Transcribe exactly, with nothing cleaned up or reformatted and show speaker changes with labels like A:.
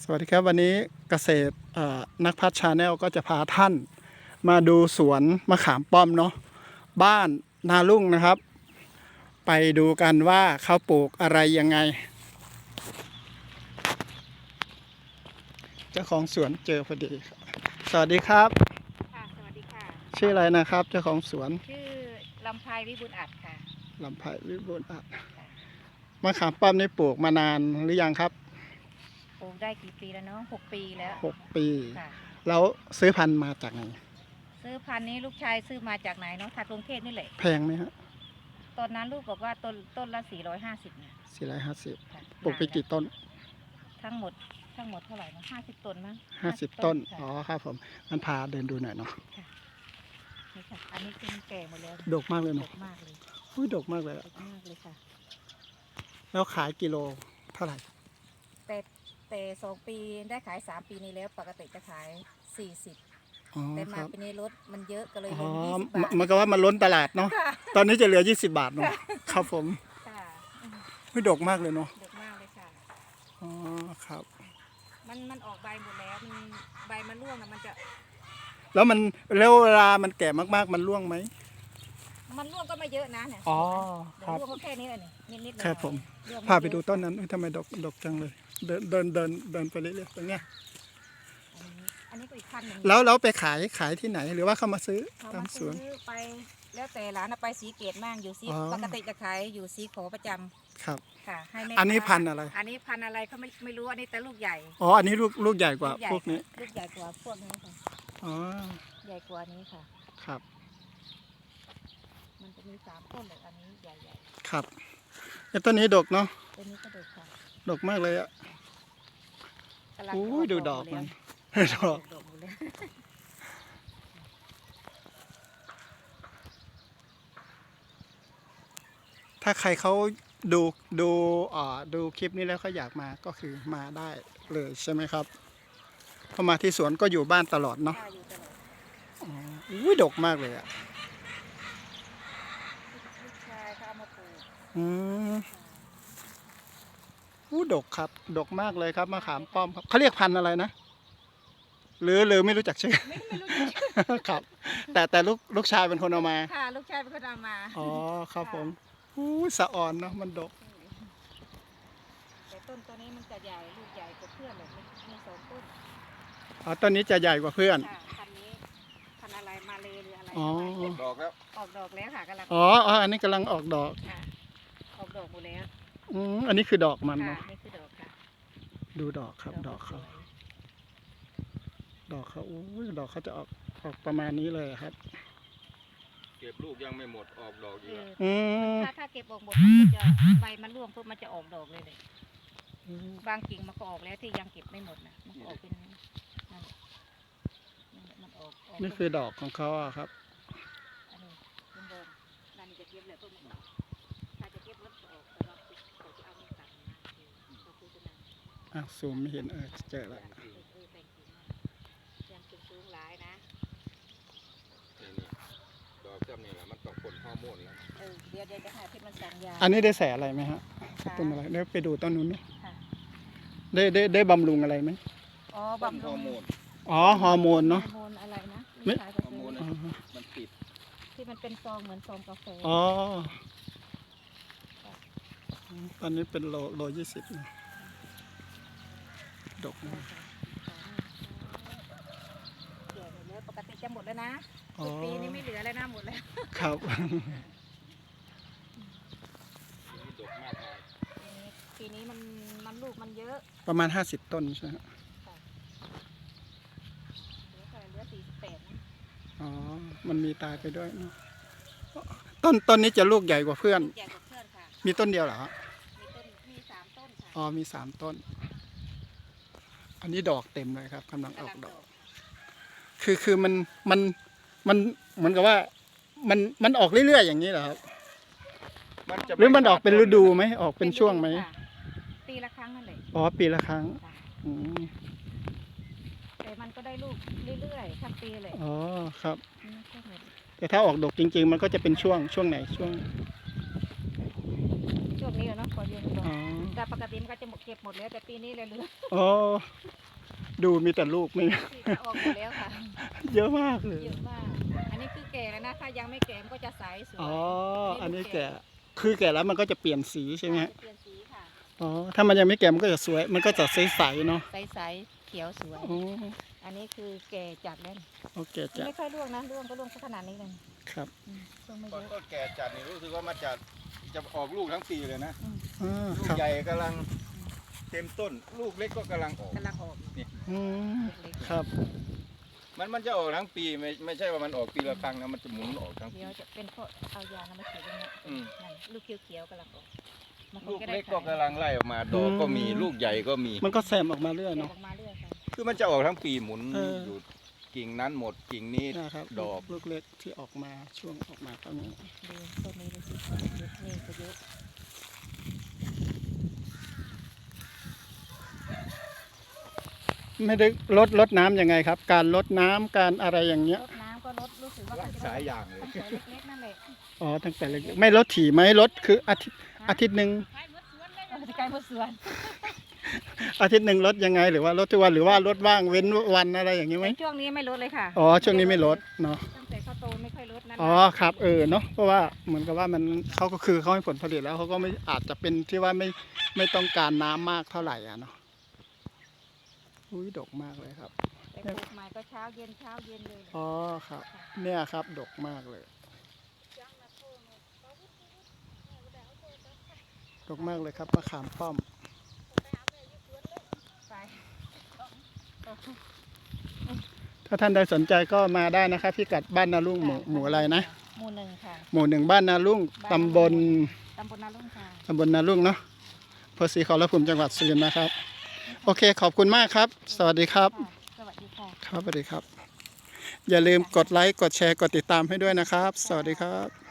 A: วัสดีครับวันนี้เกษตรนักพัฒชาแนลก็จะพาท่านมาดูสวนมะขามป้อมเนาะบ้านนาลุ่งนะครับไปดูกันว่าเขาปลูกอะไรยังไงเจ้าของสวนเจอพอดีสวัสดีครับ
B: ค่ะสวัสดีค่ะ
A: ชื่ออะไรนะครับเจ้าของสวน
B: ชื่อลำไพวิบูลย์อัดค่ะ
A: ลำไพวิบูลย์อัดมะขามป้อมนี่ปลูกมานานหรือยังครับ
B: ปลูกได้กี่ปีแล้วเนาะหกปีแล้ว
A: หกปี
B: ค่ะ
A: แล้วซื้อพันธุ์มาจากไหน
B: ซื้อพันธุ์นี้ลูกชายซื้อมาจากไหนเนาะทางกรุงเทพนี่แหละ
A: แพงไหมฮะ
B: ตอนนั้นลูกบอกว่าต้นต้นละสี่ร้อยห้าสิบเนี่ย
A: สี่ร้อยห้าสิบปลูกไปกี่ต้น
B: ทั้งหมดทั้งหมดเท่าไหร่นะห้าสิบต้นมั้ง
A: ห้าสิบต้นอ๋อครับผมมันพาเดินดูหน่อยเนาะ
B: นี่ค่ะอันนี้เป็นแก่หมดแล้ว
A: ดกมากเลยเนาะ
B: ดกมากเลย
A: อุ้ยดกมากเลย
B: ดกมากเลยค่ะ
A: แล้วขายกิโลเท่าไหร่
B: แต่แต่สองปีได้ขายสามปีนี้แล้วปกติจะขายสี่สิบแต่มาปีนี้ลดมันเยอะก็เลยเหลือยี่สิบบาท
A: มันก็ว่ามันล้นตลาดเนาะตอนนี้จะเหลือยี่สิบบาทเนาะครับผม
B: ค่ะ
A: อุ้ยดกมากเลยเนาะ
B: ดกมากเลยค่ะ
A: อ๋อครับ
B: มันมันออกใบหมดแล้วมันใบมันร่วงนะมันจะ
A: แล้วมันแล้วเวลามันแก่มากๆมันร่วงไหม
B: มันร่วงก็ไม่เยอะนะเนี่ย
A: อ๋อ
B: ครับร่วงแค่นี้เลยนิดนิด
A: ครับผมพาไปดูต้นนั้นทำไมดกดกจังเลยเดินเดินเดินเดินไปเรื่อยๆตรงเนี้ย
B: อันนี้ก็อีกพันหนึ่ง
A: แล้วเราไปขายขายที่ไหนหรือว่าเขามาซื้อตามสวน
B: ไปแล้วแต่ร้านไปสีเกตมั่งอยู่สีปกติจะขายอยู่สีขอประจำ
A: ครับ
B: ค่ะให้แม่
A: อันนี้พันอะไร
B: อันนี้พันอะไรเขาไม่ไม่รู้อันนี้แต่ลูกใหญ่
A: อ๋ออันนี้ลูกลูกใหญ่กว่าพวกนี้
B: ลูกใหญ่กว่าพวกนี้ค่ะ
A: อ๋อ
B: ใหญ่กว่านี้ค่ะ
A: ครับ
B: มันจะมีสามต้นเลยอันนี้ใหญ่
A: ๆครับไอ้ต้นนี้ดกเนาะ
B: ต้นนี้ก็ดกค่ะ
A: ดกมากเลยอ่ะโอ้ยดูดอกมันดอกถ้าใครเขาดูดูอ่าดูคลิปนี้แล้วเขาอยากมาก็คือมาได้เลยใช่ไหมครับพอมาที่สวนก็อยู่บ้านตลอดเนาะอ๋ออุ้ยดกมากเลยอ่ะ
B: ลูกชายเขาเอามาปลูก
A: อืมอู้ดกครับดกมากเลยครับมะขามป้อมครับเขาเรียกพันธุ์อะไรนะหรือหรือไม่รู้จักชื่อครับแต่แต่ลูกลูกชายเป็นคนเอามา
B: ค่ะลูกชายเป็นคนเอามา
A: อ๋อครับผมอู้สะอ่อนเนาะมันดก
B: แต่ต้นตัวนี้มันจะใหญ่ลูกใหญ่กว่าเพื่อนเลยมีสองต้น
A: อ๋อต้นนี้จะใหญ่กว่าเพื่อน
B: พันนี้พันอะไรมาเลยหรืออะไร
A: อ๋อ
C: ออกดอกแล้ว
B: ออกดอกแล้วค่ะกำลัง
A: อ๋ออ๋ออันนี้กำลังออกดอก
B: ออกดอกหมดแล้ว
A: อืมอันนี้คือดอกมันเนาะ
B: นี่คือดอกค่ะ
A: ดูดอกครับดอกเขาดอกเขาอู้ดอกเขาจะออกออกประมาณนี้เลยครับ
C: เก็บลูกยังไม่หมดออกดอกอยู่
A: อืม
B: ถ้าถ้าเก็บออกหมดมันจะใบมันร่วงปุ๊บมันจะออกดอกเลยเลยบางกิ่งมันก็ออกแล้วที่ยังเก็บไม่หมดนะมันออกเป็นมันออก
A: นี่คือดอกของเขาอะครับ
B: อันนี้เป็นเดิมนั่นจะเก็บเลยพวกมันถ้าจะเก็บแล้วออกแต่เราเขาจะเอาเงินตัดมาเขาคุยกันนะ
A: อ่ะซูมไม่เห็นเออเจอแล้ว
B: ยังสูงหลายนะ
C: ดอกจำนี่แหละมันต้องผลฮอร์โมนแล้ว
B: เออเดี๋ยวเดี๋ยวจะหาที่มันสั่งยา
A: อันนี้ได้แสอะไรไหมฮะต้นอะไรได้ไปดูต้นนู้นไหมได้ได้ได้บำรุงอะไรไหม
B: อ๋อบำรุง
A: อ๋อฮอร์โมนเนาะ
B: ฮอร์โมนอะไรนะ
C: ไม่ฮอร์โมนมันติด
B: ที่มันเป็นซองเหมือนซองกาแฟ
A: อ๋อตอนนี้เป็นโลโลยี่สิบนะดกนะ
B: ปกติจะหมดแล้วนะปีนี้ไม่เหลือแล้วนะหมดแล้ว
A: ครับ
C: ดกมากเลย
B: ปีนี้มันมันลูกมันเยอะ
A: ประมาณห้าสิบต้นใช่ไหม
B: เหลือสี่สิบแปดนะ
A: อ๋อมันมีตายไปด้วยเนาะต้นต้นนี้จะลูกใหญ่กว่าเพื่อน
B: ใหญ่กว่าเพื่อนค่ะ
A: มีต้นเดียวเหรอ
B: มีต้นมีสามต้นค่ะ
A: อ๋อมีสามต้นอันนี้ดอกเต็มเลยครับกำลังออกดอกคือคือมันมันมันเหมือนกับว่ามันมันออกเรื่อยๆอย่างนี้เหรอครับหรือมันออกเป็นฤดูไหมออกเป็นช่วงไหม
B: ปีละครั้งนั่นแหละ
A: อ๋อปีละครั้งอืม
B: แต่มันก็ได้ลูกเรื่อยๆทั้งปีเลย
A: อ๋อครับแต่ถ้าออกดอกจริงๆมันก็จะเป็นช่วงช่วงไหนช่วง
B: ช่วงนี้เนาะฝนเยอะดอก
A: อ๋อ
B: แต่ปกติมันก็จะหมดเก็บหมดแล้วแต่ปีนี้เลยเหลือ
A: อ๋อดูมีแต่ลูกไม่
B: ที่จะออกหมดแล้วค่ะ
A: เยอะมากเลย
B: เยอะมากอันนี้คือแก่แล้วนะถ้ายังไม่แก่มันก็จะใสสวย
A: อ๋ออันนี้แก่คือแก่แล้วมันก็จะเปลี่ยนสีใช่ไหมฮะ
B: จะเปลี่ยนสีค่ะ
A: อ๋อถ้ามันยังไม่แก่มันก็จะสวย มันก็จะใสๆเนาะ
B: ใสๆเขียวสวย
A: อ๋อ
B: อันนี้คือแก่จัดแล้ว
A: โอเคจ้ะ
B: ไม่ค่อยร่วงนะร่วงก็ร่วงสักขนาดนี้เลย
A: ครับ
B: อืมร่วงไม่
C: ต
B: เย
C: อน
B: อะ
C: ต้นแก่จัดนี่รู้สึกว่ามันจะจะออกลูกทั้งปีเลยนะ
A: อ่า
C: ลู
A: ค
C: ก
A: รับ
C: ใหญ่กำลังเต็มต้น ลูกเล็กก็กำลังออก
B: กำลังออก
A: อืม
B: เล็ก
A: ครับ
C: มันมันจะออกทั้งปีไม่ไม่ใช่ว่ามันออกปีละครั้งนะมันจะหมุนออกทั้ง
B: ๆ
C: ปี
B: เดี๋ยวจะเป็นเพราะเอายาน้ำมาฉีดตรงเนี้ย
C: อืม
B: นั่นลูกเขียวๆกำลังออกมันค
C: ลู
B: ง
C: ก
B: จะได้
C: เล็กก็
B: ขาย
C: กำลังไล่ออกมาดอกก็มี
A: อืม
C: ลูกใหญ่ก็มี
A: มันก็แซมออกมาเรื่อย
B: แก่
A: เนาะ
B: ออกมาเรื่อยค่ะ
C: คือมันจะออกทั้งปีหมุน
A: เออ
C: อ
A: อ
C: ยู่กิ่งนั้นหมดกิ่งนี้
A: นะครับ
C: ดอก
A: ลูกเล็กที่ออกมาช่วงออกมาตอนนี้
B: ดูต้นนี้ดูสิเยอะนี่ก็เยอะ
A: ไม่ได้ลดลดน้ำยังไงครับ การลดน้ำการอะไรอย่างเงี้ย
B: รดน้ำก็ลดรู้สึกว่า
C: รักษาอย่างเลย
B: ต้องใส่เล็กๆนั่นแหละ
A: อ๋อตั้งแต่เล็กๆไม่ลดถี่ไหมลดคืออาทิตย์อาทิตย์หนึ่ง
B: เออจะไกลหมดสวน
A: อาทิตย์หนึ่งลดยังไง หรือว่าลดทุกวันหรือว่าลดว่างเว้นวันอะไรอย่างนี้ไหม
B: แต่ช่วงนี้ไม่ลดเลยค่ะ
A: อ๋อช่วงนี้ไม่ลดเนาะ
B: ตั้งแต่เขาโตไม่ค่อยลดนั่น
A: อ๋อครับเออเนาะเพราะว่าเหมือนกับว่ามันเขาก็คือเขาให้ผลผลิตแล้วเขาก็ไม่อาจจะเป็นที่ว่าไม่ไม่ต้องการน้ำมากเท่าไหร่อ่ะเนาะอุ้ยดกมากเลยครับ
B: แต่ปลูกใหม่ก็เช้าเย็นเช้าเย็นเลย
A: อ๋อครับ เนี่ยครับดกมากเลย ดกมากเลยครับมะขามป้อม
B: ไป
A: ถ้าท่านใดสนใจก็มาได้นะครับพิกัดบ้านนาลุ่งหมู่หมู่อะไรนะ
B: หมู่หนึ่งค่ะ
A: หมู่หนึ่งบ้านนาลุ่งตำบล
B: ตำบลนาลุ่งค่ะ
A: ตำบลนาลุ่งเนาะอำเภอศรีขอรภูมิจังหวัดสุรินทร์นะครับ โอเคขอบคุณมากครับ สวัสดีครับ
B: ค่ะสวัสดีค่ะ
A: ครับสวัสดีครับ อย่าลืมกดไลค์กดแชร์กดติดตามให้ด้วยนะครับ สวัสดีครับ